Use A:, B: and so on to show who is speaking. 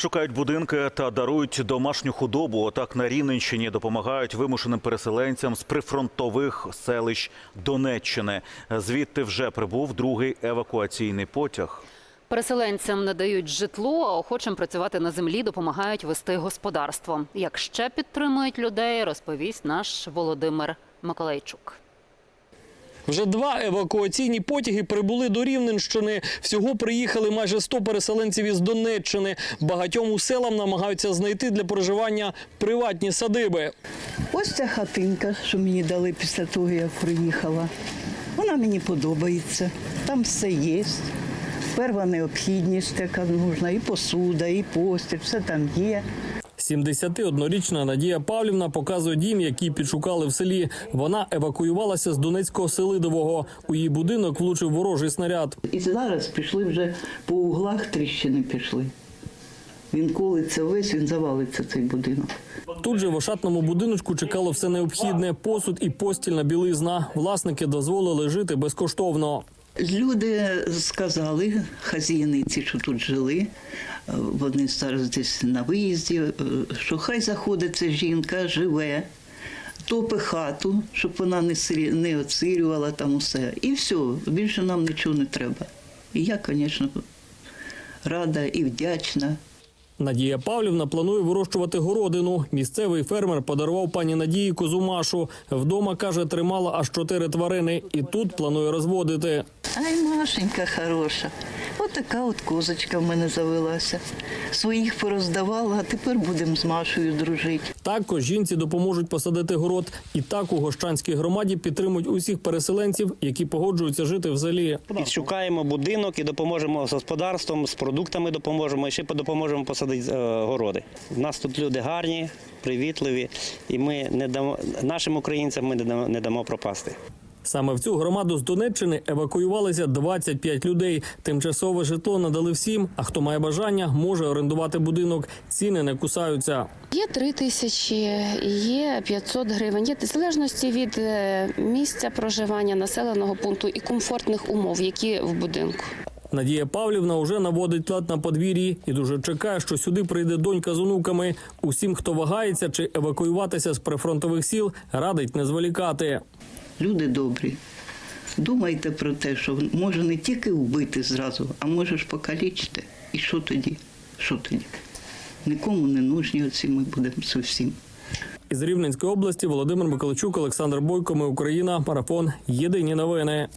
A: Шукають будинки та дарують домашню худобу. Так на Рівненщині допомагають вимушеним переселенцям з прифронтових селищ Донеччини. Звідти вже прибув другий евакуаційний потяг.
B: Переселенцям надають житло, а охочим працювати на землі допомагають вести господарство. Як ще підтримують людей, розповість наш Володимир Миколайчук.
C: Вже 2 евакуаційні потяги прибули до Рівненщини. Всього приїхали майже 100 переселенців із Донеччини. Багатьом у селам намагаються знайти для проживання приватні садиби.
D: Ось ця хатинка, що мені дали після того, як приїхала. Вона мені подобається. Там все є. Перша необхідність, яка нужна, і посуда, і постіль, все там є.
C: 71-річна Надія Павлівна показує дім, який підшукали в селі. Вона евакуювалася з Донецького Селидового. У її будинок влучив ворожий снаряд.
D: І зараз пішли вже по углах, тріщини пішли. Він колиться весь, він завалиться, цей будинок.
C: Тут же в ошатному будиночку чекало все необхідне – посуд і постільна білизна. Власники дозволили жити безкоштовно.
D: Люди сказали, хазяїниці, що тут жили, вони зараз десь на виїзді, що хай заходить ця жінка, живе, топить хату, щоб вона не оцирювала там усе. І все, більше нам нічого не треба. І я, звісно, рада і вдячна.
C: Надія Павлівна планує вирощувати городину. Місцевий фермер подарував пані Надії козу Машу. Вдома, каже, тримала аж 4 тварини. І тут планує розводити.
D: Ай, Машенька хороша. От така от козочка в мене завелася. Своїх пороздавала, а тепер будемо з Машею дружити.
C: Також жінці допоможуть посадити город. І так у Гощанській громаді підтримують усіх переселенців, які погоджуються жити в селі.
E: Підшукаємо будинок і допоможемо з господарством, з продуктами допоможемо, і ще допоможемо посадити городи. У нас тут люди гарні, привітливі, і ми нашим українцям ми не дамо пропасти.
C: Саме в цю громаду з Донеччини евакуювалися 25 людей. Тимчасове житло надали всім, а хто має бажання, може орендувати будинок. Ціни не кусаються.
F: Є 3 тисячі, є 500 гривень. Є в залежності від місця проживання, населеного пункту і комфортних умов, які в будинку.
C: Надія Павлівна вже наводить лад на подвір'ї і дуже чекає, що сюди прийде донька з онуками. Усім, хто вагається чи евакуюватися з прифронтових сіл, радить не зволікати.
D: Люди добрі, думайте про те, що може не тільки вбити зразу, а можеш покалічити. І що тоді? Що тоді? Нікому не нужні оці ми будемо зовсім.
C: Із Рівненської області Володимир Миколайчук, Олександр Бойко. Ми Україна. Марафон. Єдині новини.